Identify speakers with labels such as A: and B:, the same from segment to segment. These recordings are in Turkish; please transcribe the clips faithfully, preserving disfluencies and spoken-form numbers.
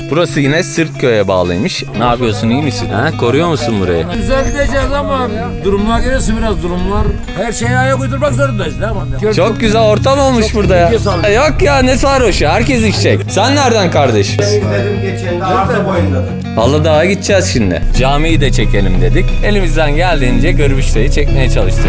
A: Burası yine Sırtköy'e bağlıymış. Ne yapıyorsun, iyi misin? Ha, koruyor musun burayı?
B: Güzel diyeceğiz ama durumlar gelirse biraz durumlar. Her şeye ayak uydurmak zorundayız. Ne yapalım?
A: Çok güzel ortam olmuş burada ya. Yok ya, ne sarhoşu, herkes içecek. Sen nereden kardeşim?
C: İzledim geçen de arka boyundadır.
A: Halıdağ'a gideceğiz şimdi. Camiyi de çekelim dedik. Elimizden geldiğince Gırbişte'yi çekmeye çalıştık.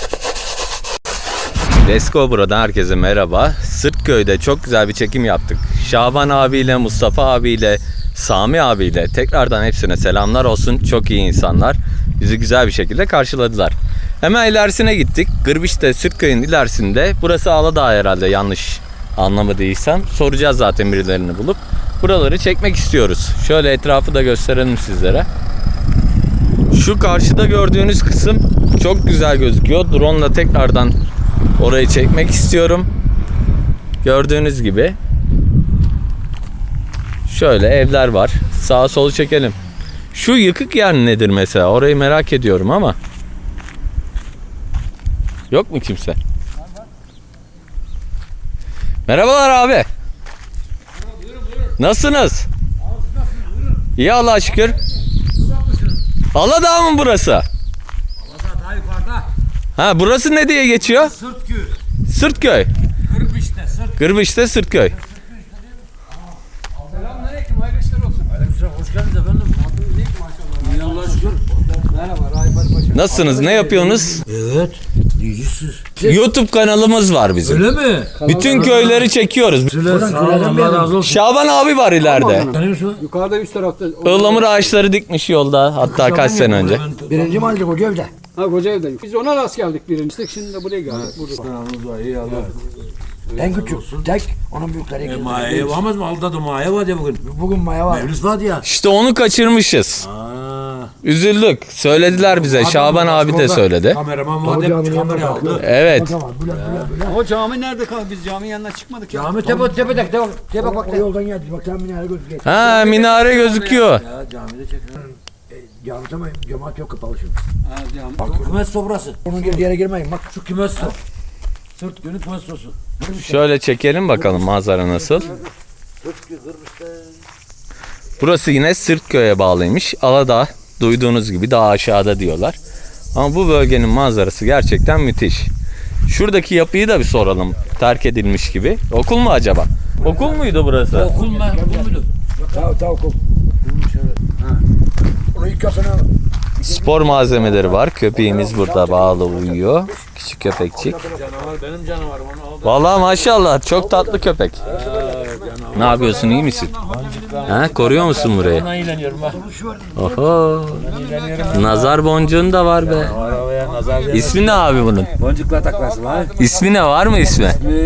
A: Let's go buradan herkese merhaba. Sırtköy'de çok güzel bir çekim yaptık. Şaban abiyle, Mustafa abiyle, Sami abiyle tekrardan hepsine selamlar olsun. Çok iyi insanlar. Bizi güzel bir şekilde karşıladılar. Hemen ilerisine gittik. Gırbişte, Sırtköy'ün ilerisinde. Burası Aladağ herhalde, yanlış anlamadıysam. Soracağız zaten birilerini bulup. Buraları çekmek istiyoruz. Şöyle etrafı da gösterelim sizlere. Şu karşıda gördüğünüz kısım çok güzel gözüküyor. Drone ile tekrardan orayı çekmek istiyorum. Gördüğünüz gibi şöyle evler var. Sağa solu çekelim. Şu yıkık yer nedir mesela? Orayı merak ediyorum ama. Yok mu kimse? Merhabalar abi. Nasılsınız? İyi Allah'a şükür. Aladağ mı burası?
B: Aladağ daha yukarıda.
A: Ha, burası ne diye geçiyor?
B: Sırtköy.
A: Sırtköy.
B: Gırbişte, Sırt.
A: Gırbişte Sırtköy.
B: Selamünaleyküm, hayırlı işler olsun. Aleykümselam, hoş geldiniz efendim. İyi Allah'a şükür. Merhaba, Raifat Paşa.
A: Nasılsınız? Ne yapıyorsunuz?
B: Evet, diyeceksiniz.
A: YouTube kanalımız var bizim.
B: Öyle mi?
A: Bütün köyleri çekiyoruz.
B: Söyle, sağ olun, Allah razı olsun.
A: Şaban abi var ileride.
B: Tanıyor musun?
D: Yukarıda üst tarafta.
A: Ihlamur ağaçları dikmiş yolda, hatta kaç sene önce.
E: Birinci mahalle Kocaeli'de.
D: Ha Kocaeli'deyim. Biz ona rast geldik birinci. Şimdi de buraya geldik. Burada.
B: Kanalımız var, iyi Allah.
E: En küçük. Tek. Onun büyükleri.
B: E, Maya yapamaz mı? Aldadı Maya var ya bugün.
E: Bugün maya var.
B: Mevlüt var ya.
A: İşte onu kaçırmışız.
B: Aa.
A: Üzüldük. Söylediler bize. Şaban abi de söyledi.
B: Kameraman var hep kamera aldı.
A: Evet.
E: Tamam. Bülent bülent bülent.
D: O cami nerede kaldı? Biz caminin yanına çıkmadık ya.
B: Cami tepe tepede. Tepe tepe bak.
E: O yoldan geldi. Bak sen minare gözüküyor.
A: Ha, minare gözüküyor.
B: Ya camide çekiyor.
E: Cami tamam. Cemaat yok kapalı şimdi.
D: Ha, cami.
B: Bak kümes sobrası.
E: Onun girdiği yere girmeyin. Bak.
B: Şu kümes so. Sırt günü kümes sosu.
A: Şöyle çekelim bakalım manzara nasıl. Burası yine Sırtköy'e bağlıymış. Aladağ, duyduğunuz gibi daha aşağıda diyorlar. Ama bu bölgenin manzarası gerçekten müthiş. Şuradaki yapıyı da bir soralım. Terk edilmiş gibi. Okul mu acaba? Okul muydu burası?
B: Okul mu? Okul muydu?
E: Tamam tamam. Onu ilk kasana.
A: Spor malzemeleri var. Köpeğimiz burada bağlı uyuyor. Küçük köpekçik.
B: Canavar benim canavarım onu aldı.
A: Vallahi maşallah çok tatlı köpek. Ne yapıyorsun, iyi misin? Ha, koruyor musun burayı?
B: Ben eğleniyorum bak.
A: Oho. Nazar boncuğun da var be.
B: Arabaya nazar değmesin.
A: İsmi ne abi bunun?
B: Boncukla taklasın lan.
A: İsmi ne, var mı ismi?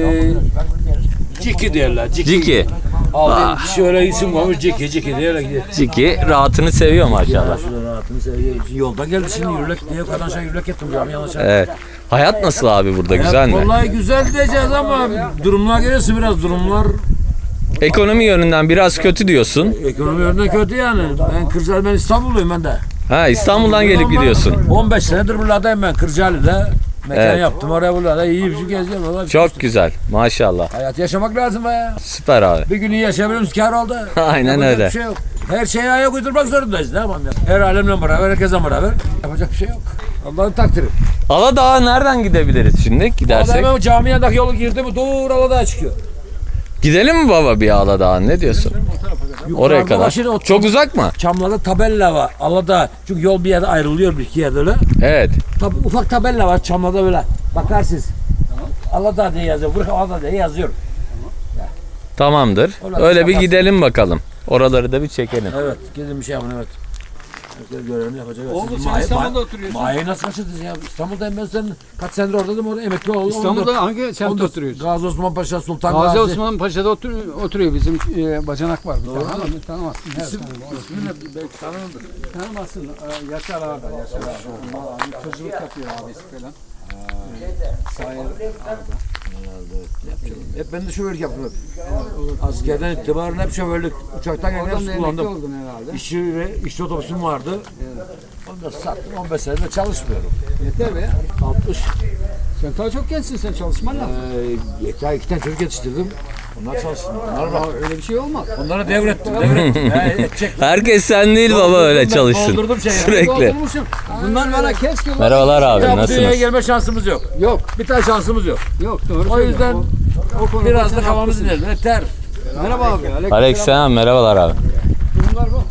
B: Ciki diyorlar. Ciki.
A: Ciki.
B: Aldı şöyle isim koymuş Ciki Ciki diyorlar gidiyor.
A: Ciki rahatını seviyor maşallah.
B: Şuradan rahatını seviyor. Yoldan geldi şimdi yürürlük diye kadar şey yürürlük ettim cami yanlış.
A: Evet. Hayat nasıl abi burada, güzel mi?
B: Vallahi güzel diyeceğiz ama durumlar gelirse biraz durumlar
A: Ekonomi yönünden biraz kötü diyorsun.
B: ekonomi yönünden kötü yani. Ben Kırcaali, ben İstanbulluyum ben de.
A: Ha, İstanbul'dan gelip gidiyorsun.
B: on beş senedir buralardayım ben Kırcaali'de. Mekan
A: Evet.
B: yaptım oraya buralarda iyi bir şey geziyorum. Vallahi
A: Çok güzel maşallah.
B: hayat yaşamak lazım be ya.
A: Süper abi.
B: Bir gün iyi yaşayabiliyoruz kâr oldu.
A: Aynen
B: Yapacak
A: öyle.
B: Bir şey yok. Her şeye ayak uydurmak zorundayız. Ne yapalım ya? Her alemle beraber, herkese beraber. Yapacak bir şey yok. Allah'ın takdiri.
A: Aladağ'a nereden gidebiliriz şimdi gidersek?
B: Adam cami yanındaki yolu girdi mi dur Aladağ'a çıkıyor.
A: Gidelim mi baba bir Aladağ'a, ne diyorsun? Oraya
B: Yukarıda
A: kadar.
B: başını o
A: Çok uzak mı?
B: Çamlarda tabella var Aladağ. Çünkü yol bir yerde ayrılıyor, bir iki yerde öyle.
A: Evet.
B: Tab ufak tabella var Çamlarda böyle. Bakarsınız. Aladağ diye yazıyor. Buraya Aladağ diye yazıyor.
A: Tamamdır. Öyle bir gidelim bakalım. Oraları da bir çekelim.
B: Evet. Gidin bir şey yapın evet. Herkes görevini yapacak.
D: Oğlum
B: Siz
D: sen
B: Maya-
D: İstanbul'da
B: Maya-
D: oturuyorsun.
B: Maya'yı nasıl kaçırdınız ya? İstanbul'dayım ben senin. Kaç senedir oradaydım orada emekli oldum.
D: İstanbul'da hangi semtte
B: Onda
D: oturuyorsun?
B: Gazi Osman Paşa, Sultan Gazi.
D: Gazi Osman Paşa'da otur, oturuyor bizim e, bacanak var bir tane ama tanımazsın. Her
B: İsim,
D: tanımazsın.
B: ismini belki tanınırdır.
D: Tanımazsın. E, Yaşar Ağa'da, Yaşar Ağa'da. Abi tuzculuk yapıyor abisi falan. Sayır Ağa'da.
B: Hep ben de şoförlük yaptım hep. Askerden itibaren hep şoförlük. Uçaktan geldim
D: Oradan
B: hep
D: da emekli
B: kullandım.
D: oldun herhalde.
B: İşçi ve işçi otobüsüm vardı. Onu da sattım. on beş senedir çalışmıyorum.
D: Yeter be.
B: altmış.
D: Sen daha çok gençsin, sen çalışman lazım.
B: Ee, iki tane çocuk yetiştirdim.
E: Onlar çalışsın. Onlar bak.
D: Öyle bir şey olmaz.
E: Onlara devrettim. Devrettim. He, edecek.
A: Herkes sen değil baba öyle
E: Ben
A: çalışsın.
E: doldurdum şeyi.
A: Sürekli.
D: Doldurmuşum. Bunlar bana kes ki.
A: Merhabalar abi
E: Ya bu dünyaya
A: nasılsınız?
E: gelme şansımız yok.
D: Yok.
E: Bir tane şansımız yok.
D: Yok doğru
E: O
D: söylüyorsun.
E: yüzden
D: O- o konuda
E: biraz
D: sen
E: da kafamızı
D: haklısın.
E: dinleyelim. Yeter.
D: Merhaba abi. Aleyküm
A: Aleykümselam merhabalar abi.
D: Durumlar bu.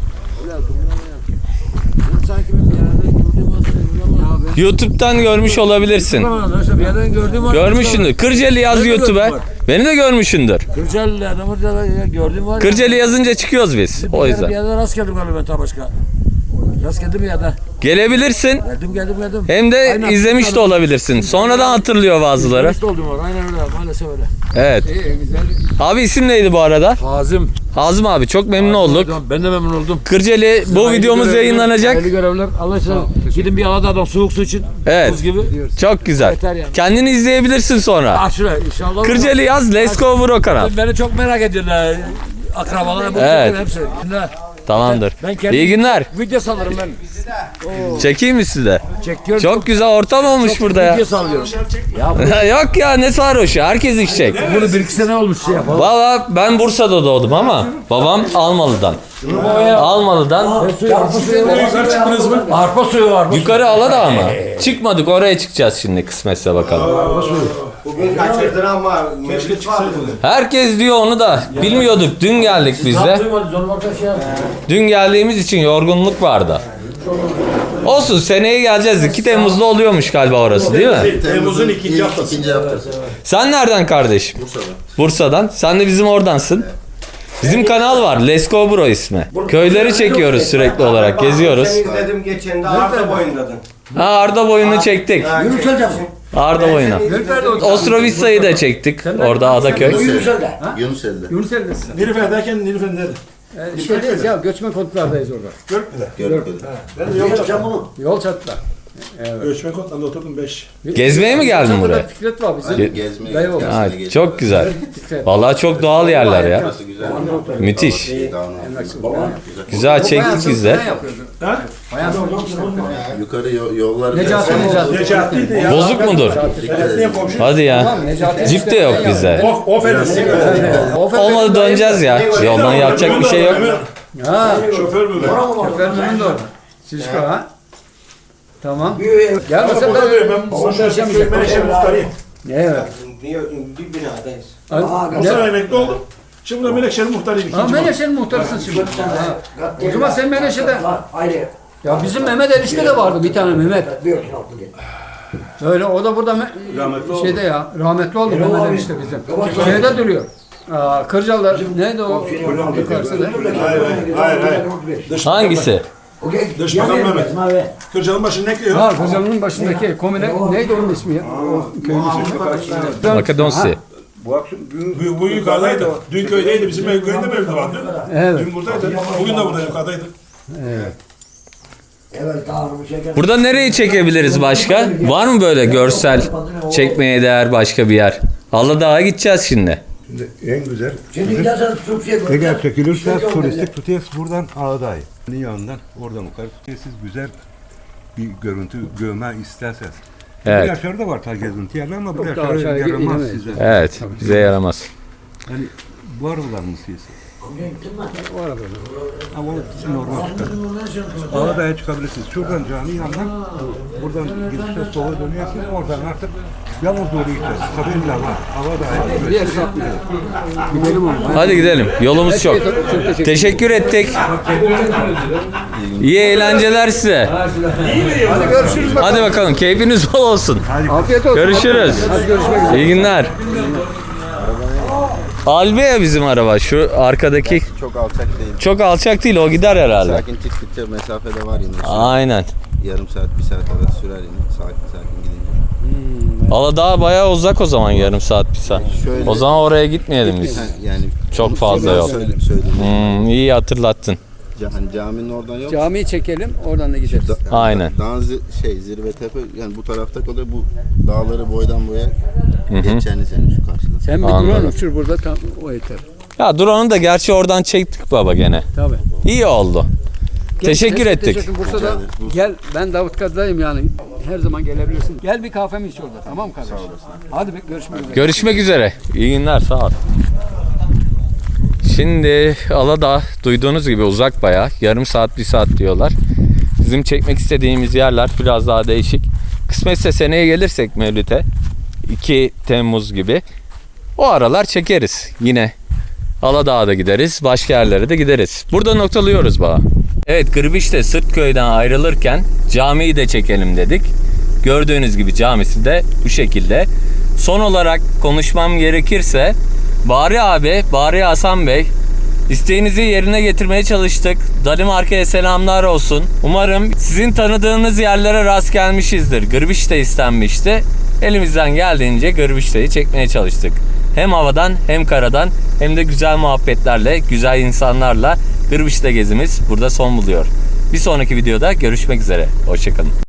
E: Sanki ben bir yerden gördüğüm hatırlıyorum.
A: YouTube'dan görmüş olabilirsin.
E: Bir yerden gördüğüm
A: Görmüşsündür. Kırcalı yaz
E: Ben de
A: YouTube'a.
E: gördüm
A: Beni de görmüşsündür.
E: Kırcalı adamı da gördüğüm var.
A: Kırcalı yazınca çıkıyoruz biz.
E: Bir
A: O
E: yere-
A: yüzden.
E: Bir yerden rast geldim galiba ben ta başka. Rast geldim ya da.
A: Gelebilirsin.
E: Geldim geldim geldim.
A: Hem de
E: Aynen.
A: izlemiş de olabilirsin. Sonradan hatırlıyor bazıları.
E: İşte oldum var. Aynen öyle. Maalesef öyle.
A: Evet.
D: İyi güzel.
A: Abi isim neydi bu arada?
E: Hazım.
A: Hazım abi çok memnun olduk.
E: Ben de memnun oldum.
A: Kırcalı bu
E: Hayırlı
A: videomuz
E: görevler,
A: yayınlanacak.
E: Hayırlı görevler. Allah aşkına gidin bir Aladağ'dan soğuk su için.
A: Evet.
E: Buz gibi.
A: Çok güzel.
E: Yeter yani.
A: Kendini izleyebilirsin sonra.
E: Ah şuraya inşallah.
A: Kırcalı yaz Let's Go Bro kanal.
E: Beni çok merak ediyorlar. Akrabalar, bu
A: Evet.
E: evet. hepsi. Şimdi
A: Tamamdır.
E: ben kendim
A: İyi günler.
E: video sallarım ben.
A: Çekeyim mi size?
E: Çekiyorum.
A: Çok güzel ortam olmuş burada ya.
E: Video sallıyorum.
A: Yok ya ne sarhoşu herkes içecek.
E: Bunu bir iki sene olmuş şey yapalım.
A: Valla ben Bursa'da doğdum ama babam Almalı'dan. Almalı'dan
E: Arpa suyu var.
A: yukarı Aladağ mı? Çıkmadık oraya çıkacağız şimdi kısmetse bakalım.
C: Bugün kaçırdın ama mevcut var mı?
A: Herkes diyor onu da bilmiyorduk dün geldik biz de. Dün geldiğimiz için yorgunluk vardı. Olsun seneye geleceğiz. iki Temmuz'da oluyormuş galiba orası değil mi?
F: Temmuz'un ikinci haftası. İkinci haftası.
A: Sen nereden kardeşim?
F: Bursa'dan.
A: Bursa'dan. Sen de bizim oradansın. Bizim kanal var. Let's Go Bro ismi. Köyleri çekiyoruz sürekli olarak. Geziyoruz.
C: Seni izledim geçen de arka boyundadın.
A: Ha Arda boyunu çektik.
C: Yürüteceğim.
A: Arda boyunu. Ostrovitsa'yı da çektik. Orada Adaköy.
F: Yunuseli'de. Yunuseli'de.
D: Yunuseli'desin.
F: Nilüfer'deyken Nilüfer nerede?
D: Ee, şeydeyiz ya göçmen konutlardayız orada.
F: Görkü'de. Ben de yol çatladım.
D: Yol çatıda.
F: Göçmen konutlarında oturdum beş.
A: Gezmeye mi geldin
D: Çatıda
A: buraya?
D: Fikret var bizim.
A: Ge-
F: Gezmeye.
D: Dayı oldu.
A: Ha, çok güzel. Vallahi çok doğal yerler ya.
F: Burası güzel.
A: Müthiş.
F: Dağın
A: Güzel çektik biz de.
D: Ne yapıyordun?
F: Yukarı yo- yollar.
D: Necati Necati.
F: Necati'ydi ya.
A: Bozuk mudur?
F: Necati'ye komşu.
A: Hadi ya.
D: Necati.
A: Cip de yok bizde.
F: Of, of edilsin.
A: Olmadı döneceğiz ya. Yoldan yapacak bir şey yok.
D: Ha.
F: Şoför mü?
D: Şoförünün de orada. Şişko ha. Tamam.
F: Ben
D: Gelmesen
F: burada
D: ben
F: diyorum. Ben burada köy Menekşe muhtarıyım.
D: Evet.
C: Bir, bir binadayız.
F: O
D: Ne?
F: sene emekli oldum. Şimdi burada Menekşe'nin muhtarıyım.
D: Ha
F: ikinci
D: Menekşe'nin muhtarısın şimdi. Ha. O zaman sen Menekşe'de. Ya bizim Mehmet Erişte de vardı bir tane Mehmet. Öyle o da burada me-
F: Rahmetli oldu.
D: şeyde ya rahmetli oldu Mehmet Erişte bizim. Şeyde duruyor. Aa, Kırcalılar neydi o yukarısı da?
F: Hayır hayır. Hayır hayır. Dış,
A: Hangisi?
F: Dış Bakan Mehmet. Kırcalı'nın başını ne ekliyor?
D: Ha Kırcalı'nın başındaki komine neydi onun ismi ya? O köyün ismi.
A: Makedonsi.
F: Bu, bu yukarıdaydı. Dün köydeydi. Bizim ev köyünde mi evde vardı?
D: Evet.
F: Dün buradaydı. Bugün de burada yukarıdaydı.
A: Burada nereyi çekebiliriz başka? Var mı böyle görsel çekmeye değer başka bir yer? Aladağ'a gideceğiz şimdi.
G: En güzel. Eğer çekilirse turistik tutuyoruz buradan Ağda'yı. Yanından oradan yukarı tutuyoruz. Siz güzel bir görüntü görme isterseniz.
A: Evet.
G: Bir aşağıda var ta gezinti yerler ama bu
D: Çok da
G: aşağıda
D: aşağıya
G: yaramaz
D: inemeyiz.
G: size.
A: Evet. Bize yaramaz.
G: Yani bu aralar mı siz? O aralar. Ama o sizin oradan çıkar. Ağda'ya çıkabilirsiniz. Şuradan cami yandan buradan gidişte sola dönüyorsunuz. Oradan artık yalnız doğru gideceğiz. Kabirle var. Ağda'ya.
D: Bir yer satmıyor. Gidelim oğlum.
A: Hadi gidelim. Yolumuz çok.
D: Çok teşekkür
A: Teşekkür ettik. İyi eğlenceler size.
D: Hadi görüşürüz bakalım.
A: Hadi bakalım. Keyfiniz bol olsun.
D: Afiyet olsun.
A: Görüşürüz.
D: Hadi görüşmek üzere.
A: İyi günler. Albea bizim araba. Şu arkadaki
H: Çok alçak değil.
A: çok alçak değil. O gider herhalde.
H: Sakin çıktıkça mesafede var yine.
A: Aynen.
H: Yarım saat, bir saat arası sürer yine. Sakin sakin gidince.
A: Aladağ bayağı uzak o zaman yarım saat bir saat.
H: Şöyle-
A: O zaman oraya gitmeyelim biz.
H: Ha, yani
A: Çok fazla
H: ben
A: yol.
H: Söyle, söyledim.
A: Hmm, iyi hatırlattın.
H: Ca- hani caminin oradan yok.
D: Camiyi çekelim oradan da gideriz.
H: Da-
A: Aynen.
H: Dağın zi- şey zirve tepe yani bu tarafta kalıyor. Bu dağları boydan boya geçeceğini senin şu karşıda.
D: Sen bir
A: Anladım.
D: drone uçur burada tam o yeter.
A: Ya drone'u da gerçi oradan çektik baba gene.
D: Tabii.
A: İyi oldu. Teşekkür
D: Neyse,
A: ettik.
D: teşekkür. Bursa'da gel ben Davutkadı'dayım yani. Her zaman gelebilirsin. Gel bir kahvemi iç orada tamam mı kardeşim? Hadi bir görüşmek üzere.
A: Görüşmek üzere. İyi günler. Sağ ol. Şimdi Aladağ duyduğunuz gibi uzak bayağı. Yarım saat bir saat diyorlar. Bizim çekmek istediğimiz yerler biraz daha değişik. Kısmetse seneye gelirsek Mevlüt'e iki Temmuz gibi o aralar çekeriz. Yine Aladağ'a da gideriz. Başka yerlere de gideriz. Burada noktalıyoruz bağı. Evet, Gırbiş'te Sırtköy'den ayrılırken camiyi de çekelim dedik. Gördüğünüz gibi camisi de bu şekilde. Son olarak konuşmam gerekirse Bari abi, Bari Hasan Bey, isteğinizi yerine getirmeye çalıştık. Danimarka'ya selamlar olsun. Umarım sizin tanıdığınız yerlere rast gelmişizdir. Gırbiş'te istenmişti. Elimizden geldiğince Gırbiş'te'yi çekmeye çalıştık. Hem havadan hem karadan hem de güzel muhabbetlerle, güzel insanlarla Gırbiş'te gezimiz burada son buluyor. Bir sonraki videoda görüşmek üzere. Hoşçakalın.